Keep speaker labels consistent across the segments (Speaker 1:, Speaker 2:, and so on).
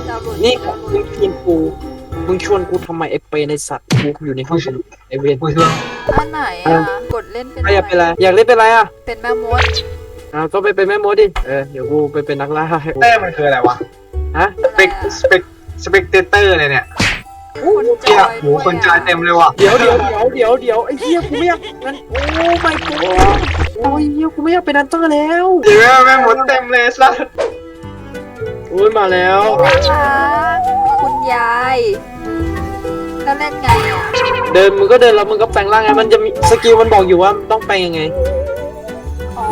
Speaker 1: ดาวน์โหลด
Speaker 2: นี่
Speaker 1: ดาวน์โหล
Speaker 2: มึง
Speaker 1: ด
Speaker 2: ชวนกูมึงชวนกูทำไมไอ้เปในสัตว์กูอยู่ในห้องสมุดไอ้เวน
Speaker 3: ผู้ช่วย
Speaker 1: อันไหนอ่ะกดเล่นเป็น
Speaker 2: ใครอยากเป็นอะไรอยากเล่นเป็นอะไรอ่ะ
Speaker 1: เป็นแม่มด
Speaker 2: ก็ไปเป็นแม่มดดิเดี๋ยวกูไปเป็นนักล่าให้
Speaker 3: เตอร์มันคืออะไรวะ
Speaker 2: ฮะ
Speaker 3: สเปกเตอร์เลยเนี่ย
Speaker 1: คนจ
Speaker 3: เหี้ย
Speaker 1: อย
Speaker 3: โหคนจอยเต็มเลยว่ะ
Speaker 2: เดี๋ยวไอ้เหี้ยกูไม่อยากงั้นโอ้ไม่กูโอ้ยเหี้ยกูไม่อยากเป็นนันเตอร์แล้ว
Speaker 3: เดี๋ยวแม่หมดเต็มเลยสัส
Speaker 2: โอ้ยมาแล้ว
Speaker 1: น่ารักคุณยายแล้วเล่นไงอ่ะ
Speaker 2: เดินมึงก็เดินแล้วมึงก็แปลงร่างไงมันจะมีสกิลมันบอกอยู่ว่าต้องแปลงยังไง
Speaker 1: อ๋อ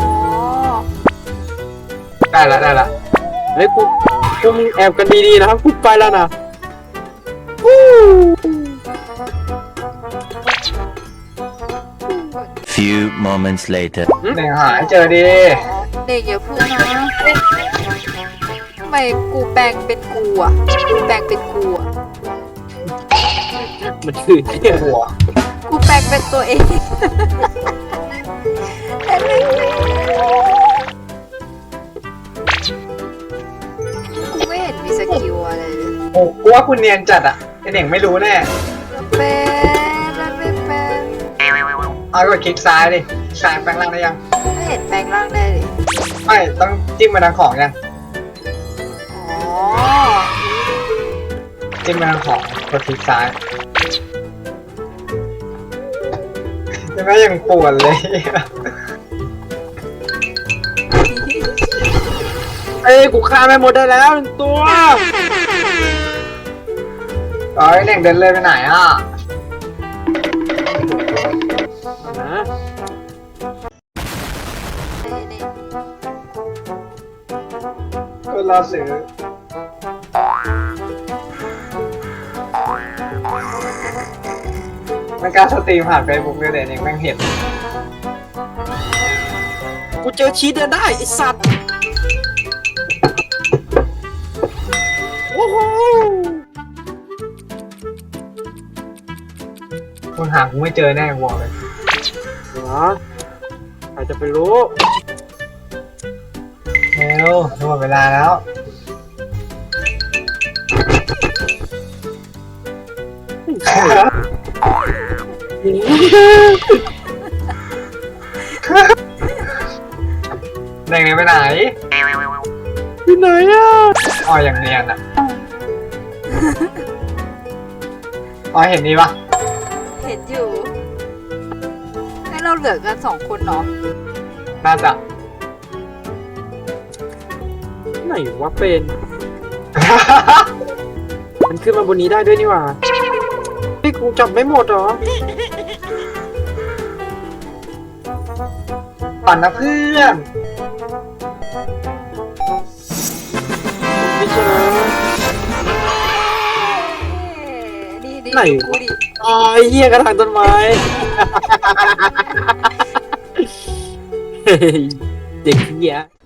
Speaker 3: ได้ละ
Speaker 2: เฮ้ยกูมึงแอบกันดีๆนะครับกูไปแล้วนะวู้
Speaker 4: Few moments later.
Speaker 3: หนึ่งหายเจอดี
Speaker 1: เด็กอย่าพูดนะทำไมกูแปลงเป็นกูอ่ะกูแปลงเป็นกูอ่ะ
Speaker 2: มันคือเหี้ย
Speaker 3: หัว
Speaker 1: กูแปลงเป็นตัวเองแต่ไม่กูไม่เห็นมีสกิลอะไรเลย
Speaker 3: โอ้กูว่าคุณเนียนจัดอ่ะไอเน่งไม่รู้แน่
Speaker 1: เป็นมันไม่เป็น
Speaker 3: เอากดคลิกซ้ายดิซ้ายแปลงร่างได้ยัง
Speaker 1: ไม่เห็นแปลงร่างได้เลย
Speaker 3: ไม่ต้องจิ้มมาทางของยัง
Speaker 1: อ๋อ
Speaker 3: จิ้มมาทางของกดคลิกซ้ายยังไม่ยังปวดเลย
Speaker 2: เอ้ยกูฆ่าแม่มดได้แล้วหนึ่งตัว
Speaker 3: อ๋อไอเน่งเดินเลยไปไหนอ่ะ
Speaker 2: นะ
Speaker 1: นี่
Speaker 3: ก็รอซื้อมันการสตรีมผ่านเฟซบุ๊กเลยเดี๋ยวเน่งแม่งเห็น
Speaker 2: กูเจอชีสเดินได้ไอสัตว์โอ้โห
Speaker 3: คุณหากูไม่เจอแน่กูบอกเลย
Speaker 2: เหรอใครจะไปรู้
Speaker 3: เร็วหมดเวลาแล้ว เด็กนี่ไปไหน
Speaker 2: ที่ไหนอ่ะ
Speaker 3: อ๋ออย่างเนียนอ่ะอ๋อเห็นนี่ปะ
Speaker 1: เห็นอยู่ให้เราเหลือกัน2 คนเนาะ
Speaker 3: น่าจะ
Speaker 2: ไหนวะเป็น มันขึ้นมาบนนี้ได้ด้วยนี่หว่าพี่กูจับไม่หมดเหรอ
Speaker 3: ปั่นนะเพื่อน
Speaker 2: ไม่เจอ
Speaker 1: นี่
Speaker 2: ไหน
Speaker 1: กู
Speaker 2: วะ
Speaker 1: ดิ
Speaker 2: อ๋อไอ้เหี้ยกระถางต้นไม้ เฮ้ยเด็กเหี้ย